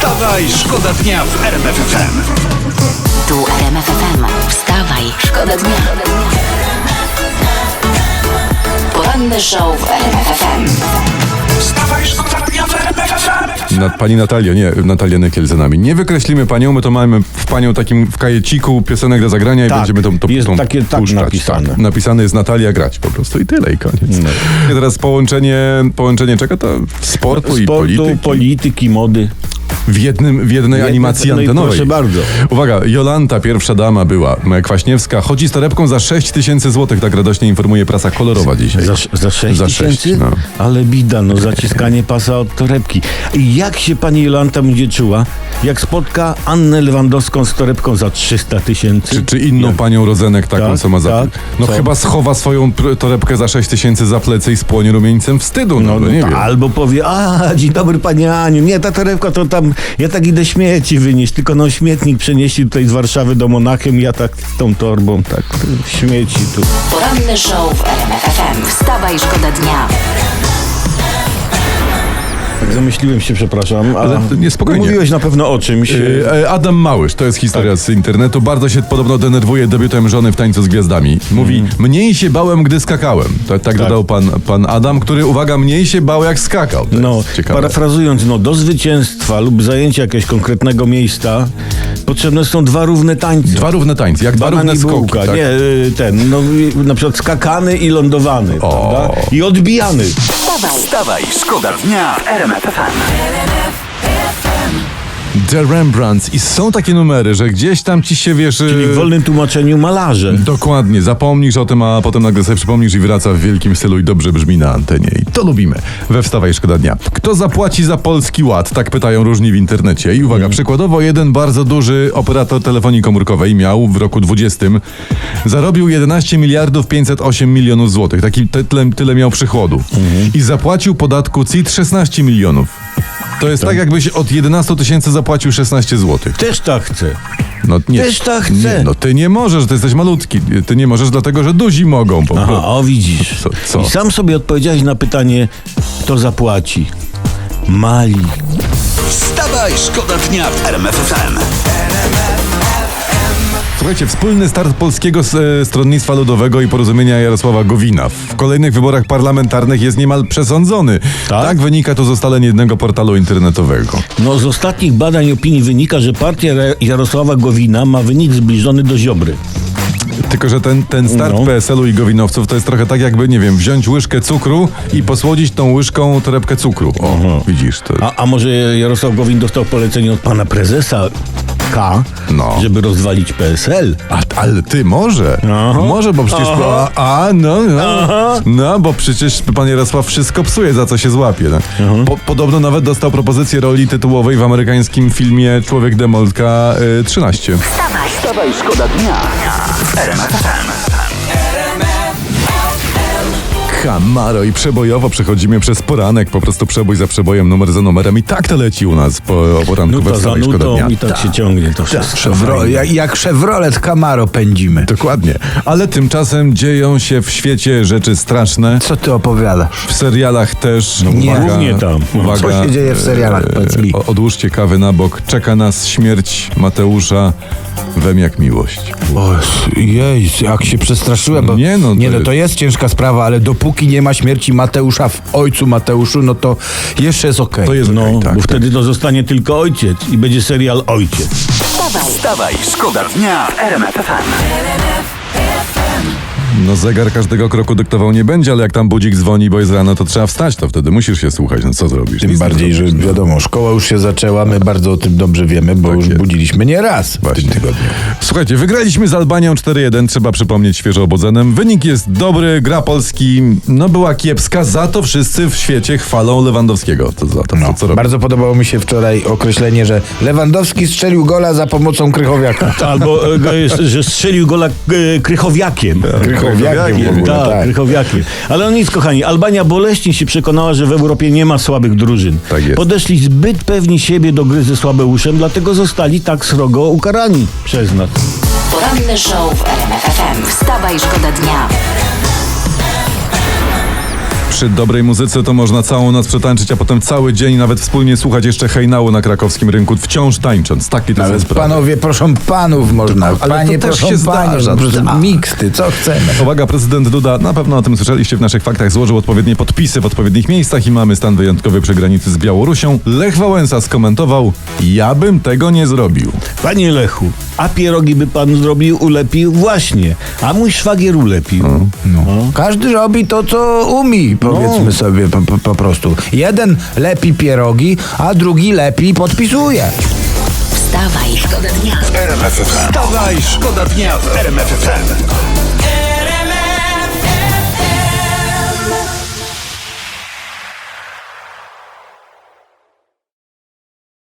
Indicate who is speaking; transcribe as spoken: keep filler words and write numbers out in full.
Speaker 1: Wstawaj, szkoda dnia w R M F F M.
Speaker 2: Tu R M F F M. Wstawaj, szkoda dnia. Poranny show w R M F F M.
Speaker 1: Wstawaj, szkoda dnia w R M F F M.
Speaker 3: Na, pani Natalia, nie, Natalia Nykiel za nami. Nie wykreślimy panią, my to mamy w panią takim w kajeciku piosenek do zagrania
Speaker 4: Tak,
Speaker 3: i będziemy tą, tą,
Speaker 4: jest
Speaker 3: tą
Speaker 4: takie tak
Speaker 3: puszczać.
Speaker 4: napisane.
Speaker 3: Tak, napisane jest Natalia grać po prostu i tyle i koniec.
Speaker 4: No.
Speaker 3: I teraz połączenie, połączenie czego to? Sportu, i
Speaker 4: Sportu,
Speaker 3: polityki.
Speaker 4: polityki, mody.
Speaker 3: W, jednym, w jednej
Speaker 4: Jednej-
Speaker 3: animacji
Speaker 4: no i
Speaker 3: antenowej.
Speaker 4: proszę bardzo.
Speaker 3: Uwaga, Jolanta, pierwsza dama była, moja Kwaśniewska, chodzi z torebką za sześć tysięcy złotych, tak radośnie informuje prasa kolorowa dzisiaj.
Speaker 4: Za, za sześć
Speaker 3: Za
Speaker 4: tysięcy?
Speaker 3: sześć, no.
Speaker 4: Ale bida, no zaciskanie pasa od torebki. I jak się pani Jolanta będzie czuła, jak spotka Annę Lewandowską z torebką za trzysta tysięcy?
Speaker 3: Czy, czy inną
Speaker 4: Jak?
Speaker 3: panią Rozenek taką,
Speaker 4: Tak,
Speaker 3: co ma za...
Speaker 4: tak.
Speaker 3: No
Speaker 4: Co?
Speaker 3: chyba schowa swoją pr- torebkę za sześć tysięcy za plecy i spłonie rumieńcem wstydu, no,
Speaker 4: No,
Speaker 3: no
Speaker 4: no
Speaker 3: nie
Speaker 4: ta,
Speaker 3: wiem.
Speaker 4: albo powie, a dzień dobry panie Aniu, nie, ta torebka to tam, ja tak idę śmieci wynieść, tylko no śmietnik przenieśli tutaj z Warszawy do Monachium, ja tak z tą torbą, tak śmieci tu.
Speaker 2: Poranny show w R M F F M. Wstawaj, szkoda dnia.
Speaker 4: Tak zamyśliłem się, przepraszam. A
Speaker 3: Ale to nie, spokojnie.
Speaker 4: Mówiłeś na pewno o czymś.
Speaker 3: Yy, e, Adam Małysz, to jest historia
Speaker 4: Tak.
Speaker 3: z internetu, bardzo się podobno denerwuje debiutem żony w Tańcu z Gwiazdami. Mówi,
Speaker 4: Mhm.
Speaker 3: mniej się bałem, gdy skakałem. Tak, tak dodał pan, pan Adam, który, uwaga, mniej się bał, jak skakał. To
Speaker 4: No,
Speaker 3: jest ciekawe.
Speaker 4: parafrazując, no, do zwycięstwa lub zajęcia jakiegoś konkretnego miejsca potrzebne są dwa równe tańce.
Speaker 3: Dwa równe tańce, jak dwa
Speaker 4: Banan
Speaker 3: równe
Speaker 4: i
Speaker 3: skoki.
Speaker 4: bułka.
Speaker 3: Tak?
Speaker 4: Nie, y, ten, no y, na przykład skakany i lądowany,
Speaker 3: O.
Speaker 4: prawda? I odbijany.
Speaker 2: Wstawaj.
Speaker 1: Wstawaj, szkoda dnia w R M F F M.
Speaker 3: The Rembrandts. I są takie numery, że gdzieś tam ci się, wiesz...
Speaker 4: Czyli
Speaker 3: yy,
Speaker 4: w wolnym tłumaczeniu malarze.
Speaker 3: Dokładnie, zapomnisz o tym, a potem nagle sobie przypomnisz i wraca w wielkim stylu i dobrze brzmi na antenie. I to lubimy. We Wstawaj, szkoda dnia. Kto zapłaci za Polski Ład? Tak pytają różni w internecie. I uwaga, przykładowo jeden bardzo duży operator telefonii komórkowej miał w roku dwudziestym zarobił jedenaście miliardów pięćset osiem milionów złotych. Taki te- tyle, tyle miał przychodu. I zapłacił podatku C I T szesnaście milionów. To jest tak, jakbyś od jedenastu tysięcy zapłacił szesnaście złotych.
Speaker 4: Też tak chcę.
Speaker 3: No, nie,
Speaker 4: Też tak chcę.
Speaker 3: Nie, no ty nie możesz, ty jesteś malutki. Ty nie możesz, dlatego że duzi mogą. Po
Speaker 4: Aha,
Speaker 3: prostu.
Speaker 4: o widzisz.
Speaker 3: Co- co?
Speaker 4: I sam sobie odpowiedziałeś na pytanie, kto zapłaci. Mali.
Speaker 1: Wstawaj, szkoda dnia w R M F F M.
Speaker 3: Słuchajcie, wspólny start Polskiego e, Stronnictwa Ludowego i Porozumienia Jarosława Gowina w kolejnych wyborach parlamentarnych jest niemal przesądzony.
Speaker 4: Tak?
Speaker 3: Tak wynika to z ustaleń jednego portalu internetowego.
Speaker 4: No z ostatnich badań opinii wynika, że partia Ra- Jarosława Gowina ma wynik zbliżony do Ziobry.
Speaker 3: Tylko, że ten, ten start
Speaker 4: No.
Speaker 3: P S L-u i Gowinowców to jest trochę tak jakby, nie wiem, wziąć łyżkę cukru i posłodzić tą łyżką torebkę cukru. O,
Speaker 4: Aha.
Speaker 3: widzisz to.
Speaker 4: A, a może Jarosław Gowin dostał polecenie od pana prezesa K,
Speaker 3: No.
Speaker 4: żeby rozwalić P S L?
Speaker 3: A, ale ty może.
Speaker 4: Aha.
Speaker 3: Może, bo przecież.
Speaker 4: Aha.
Speaker 3: A, a no, no.
Speaker 4: Aha.
Speaker 3: No, bo przecież pan Jarosław wszystko psuje, za co się złapie. No. Po, podobno nawet dostał propozycję roli tytułowej w amerykańskim filmie Człowiek Demolka y, trzynaście.
Speaker 2: Wstawaj.
Speaker 1: Wstawaj, szkoda dnia w R M F F M.
Speaker 3: Camaro i przebojowo przechodzimy przez poranek, po prostu przebój za przebojem, numer za numerem i tak to leci u nas po o poranku we
Speaker 4: Nuta za
Speaker 3: Wstawaj, szkoda
Speaker 4: nutą
Speaker 3: dnia.
Speaker 4: i tak się ciągnie to wszystko.
Speaker 5: Chevrolet, jak, jak Chevrolet Camaro pędzimy.
Speaker 3: Dokładnie. Ale tymczasem dzieją się w świecie rzeczy straszne.
Speaker 5: Co ty opowiadasz?
Speaker 3: W serialach też.
Speaker 5: nie.
Speaker 3: uwaga,
Speaker 4: Głównie tam.
Speaker 3: Uwaga,
Speaker 5: Co się dzieje w serialach, powiedz mi?
Speaker 3: o- Odłóżcie kawy na bok. Czeka nas śmierć Mateusza Wem jak miłość.
Speaker 5: O, jej, jak się przestraszyłem, bo
Speaker 3: Nie, no, to
Speaker 5: nie, no
Speaker 3: jest-
Speaker 5: to jest ciężka sprawa, ale dopóki nie ma śmierci Mateusza w ojcu Mateuszu, no to jeszcze jest okej.
Speaker 3: To jest
Speaker 4: No,
Speaker 3: okej, tak,
Speaker 4: bo
Speaker 3: tak.
Speaker 4: wtedy to zostanie tylko ojciec i będzie serial Ojciec.
Speaker 2: Wstawaj.
Speaker 1: Wstawaj, szkoda dnia w R M F F M.
Speaker 3: No zegar każdego kroku dyktował nie będzie, ale jak tam budzik dzwoni, bo jest rano, to trzeba wstać, to wtedy musisz się słuchać. No co zrobisz?
Speaker 5: Tym
Speaker 3: Nic nie
Speaker 5: bardziej, że
Speaker 3: zrobisz, no.
Speaker 5: wiadomo, szkoła już się zaczęła, my bardzo o tym dobrze wiemy, bo
Speaker 3: Tak
Speaker 5: już
Speaker 3: jest.
Speaker 5: budziliśmy nie raz w
Speaker 3: Właśnie.
Speaker 5: tym tygodniu.
Speaker 3: Słuchajcie, wygraliśmy z Albanią cztery jeden, trzeba przypomnieć świeżo obodzenem. Wynik jest dobry, gra Polski no była kiepska, za to wszyscy w świecie chwalą Lewandowskiego. To za to,
Speaker 5: No,
Speaker 3: co, co robi.
Speaker 5: bardzo podobało mi się wczoraj określenie, że Lewandowski strzelił gola za pomocą Krychowiaka.
Speaker 4: Albo, e, że strzelił gola e, Krychowiakiem.
Speaker 5: Krychowiakiem w ogóle,
Speaker 4: Tak,
Speaker 5: tak.
Speaker 4: Krychowiakiem. Ale on nic, kochani. Albania boleśnie się przekonała, że w Europie nie ma słabych drużyn.
Speaker 3: Tak jest.
Speaker 4: Podeszli zbyt pewni siebie do gry ze Słabeuszem, dlatego zostali tak srogo ukarani przez nas.
Speaker 2: Poranny show w R M F F M. Wstawaj, szkoda dnia.
Speaker 3: Przy dobrej muzyce to można całą noc przetańczyć, a potem cały dzień nawet wspólnie słuchać jeszcze hejnału na krakowskim rynku, wciąż tańcząc. Takie to są
Speaker 5: Ale
Speaker 3: sprawy.
Speaker 5: panowie proszą panów można,
Speaker 3: Ale to
Speaker 5: panie
Speaker 3: też
Speaker 5: proszą
Speaker 3: się
Speaker 5: panie,
Speaker 3: zdarza.
Speaker 5: no, po prostu
Speaker 3: Tak.
Speaker 5: miksty, co chcemy.
Speaker 3: Uwaga, prezydent Duda, na pewno o tym słyszeliście w naszych faktach, złożył odpowiednie podpisy w odpowiednich miejscach i mamy stan wyjątkowy przy granicy z Białorusią. Lech Wałęsa skomentował: ja bym tego nie zrobił.
Speaker 4: Panie Lechu, a pierogi by pan zrobił, ulepił? Właśnie. A mój szwagier ulepił.
Speaker 5: No. Każdy robi to, co umie, powiedzmy
Speaker 4: No.
Speaker 5: sobie po, po, po prostu. Jeden lepi pierogi, a drugi lepi podpisuje.
Speaker 2: Wstawaj, szkoda dnia.
Speaker 1: Wstawaj, szkoda dnia w R M F F M.